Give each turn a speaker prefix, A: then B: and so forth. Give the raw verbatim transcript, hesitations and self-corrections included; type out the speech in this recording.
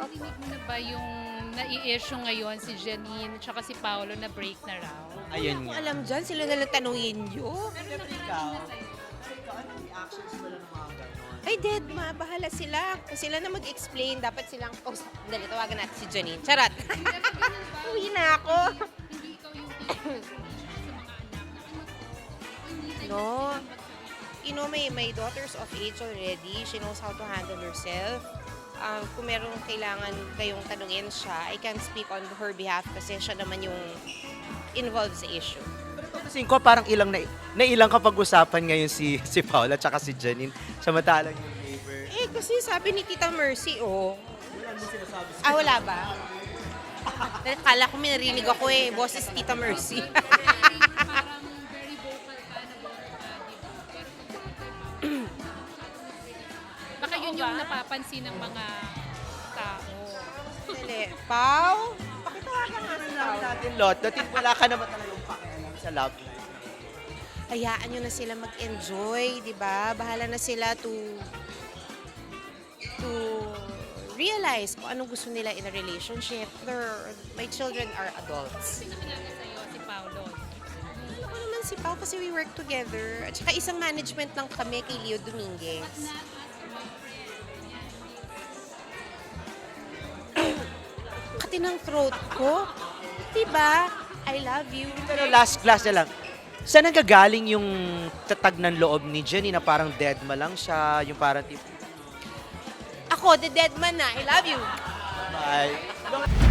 A: Narinig mo na ba yung nai-issue ngayon si Janine at si Paolo na break na raw?
B: Ayun
C: Kung
B: nga.
C: alam dyan, sila na lang tanungin nyo.
B: Pero ikaw, ikaw, anong reactions mo lang ng mga ganon?
C: Ay, dead ma, bahala sila. Kung sila na mag-explain, dapat silang, oh, dali, tawagan natin si Janine. Charot. Uwi na ako.
A: Hindi ikaw yung pinag sa mga anak na ano to, hindi tayo
C: No.
A: magsasabi.
C: You know, may, may daughter's of age already. She knows how to handle herself. Um, kung meron kailangan kayong tanungin siya, I can speak on her behalf kasi siya naman yung involved sa issue.
B: Pero pagkasin ko, parang ilang na, na ilang kapag-usapan ngayon si, si Paula at si Janine. Samantalang yung neighbor.
C: Eh, kasi sabi ni Tita Mercy, oh.
B: Wala mo sinasabi sa
C: Ah, wala ba? Dahil kala ko may narinig ako eh, boses Tita Mercy.
A: Parang very vocal ka na vocal ka, di ba? Pero pag baka yun yung napapansin ng mga tao.
C: Dali, Pau? Pakitawagan nga si
B: Alam
C: Pau.
B: natin, Lot, dating wala ka naman talagang pakialam sa love life.
C: Hayaan nyo na sila mag-enjoy, di ba? Bahala na sila to to realize kung anong gusto nila in a relationship. They're, my children are adults.
A: Pinakilala sa'yo si Paolo.
C: Ano ko naman si Pau kasi we work together. At saka isang management lang kami kay Leo Dominguez. Kati ng throat ko. Diba? I love you.
B: Pero last class na lang, saan nanggagaling yung tatag ng loob ni Jenny na parang dead ma lang siya, yung parang tip,
C: Ako, the dead man na. I love you.
B: bye.